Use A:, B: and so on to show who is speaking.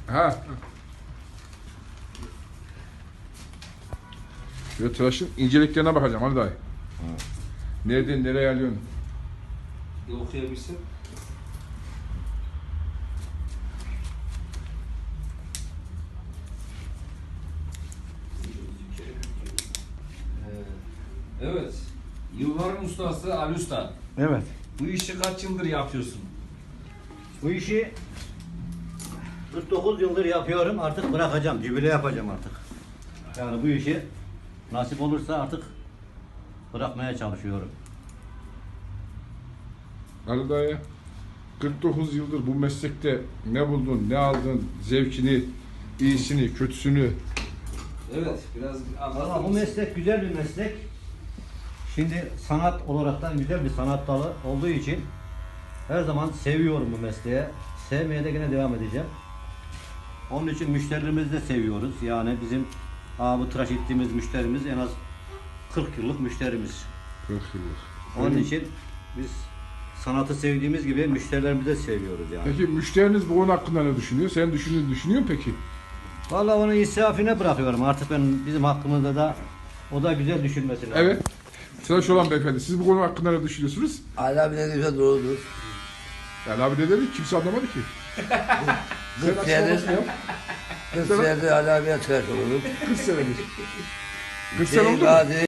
A: Ha. Şöyle tıraşın inceliklerine bakacağım Ali dayı. Nereden nereye alıyorsun?
B: Bir okuyabilsin. Evet. Yılların ustası Ali Usta.
C: Evet.
B: Bu işi kaç yıldır yapıyorsun?
C: Bu işi 49 yıldır yapıyorum. Artık bırakacağım. Jübile yapacağım artık. Yani bu işi nasip olursa artık bırakmaya çalışıyorum.
A: Ali dayı 49 yıldır bu meslekte ne buldun, ne aldın, zevkini, iyisini, kötüsünü?
B: Evet, biraz
C: Valla
B: anlatır
C: bu
B: mısın?
C: meslek güzel bir meslek. Şimdi sanat olaraktan güzel bir sanat dalı olduğu için her zaman seviyorum bu mesleği. Sevmeye de yine devam edeceğim. Onun için müşterilerimizi de seviyoruz. Yani bizim bu tıraş ettiğimiz müşterimiz en az 40 yıllık müşterimiz.
A: 40 yıldır.
C: Onun için biz sanatı sevdiğimiz gibi müşterilerimizi de seviyoruz yani.
A: Peki müşteriniz bu konu hakkında ne düşünüyor? Sen düşünüyor musun peki?
C: Vallahi onun insafine bırakıyorum. Artık bizim hakkımızda da o da güzel düşünmesi lazım.
A: Evet. Tıraş olan beyefendi, siz bu konu hakkında ne düşünüyorsunuz?
D: Ali abi ne güzel doğrudur.
A: Yani abi ne dedi? Kimse anlamadı ki. Sen
D: 40 senedir,
A: açıklamasını yap.
D: 40 senedir Ali abiye tıraş olurum.
A: 40 senedir. 40 sene oldu mu?
D: Gazi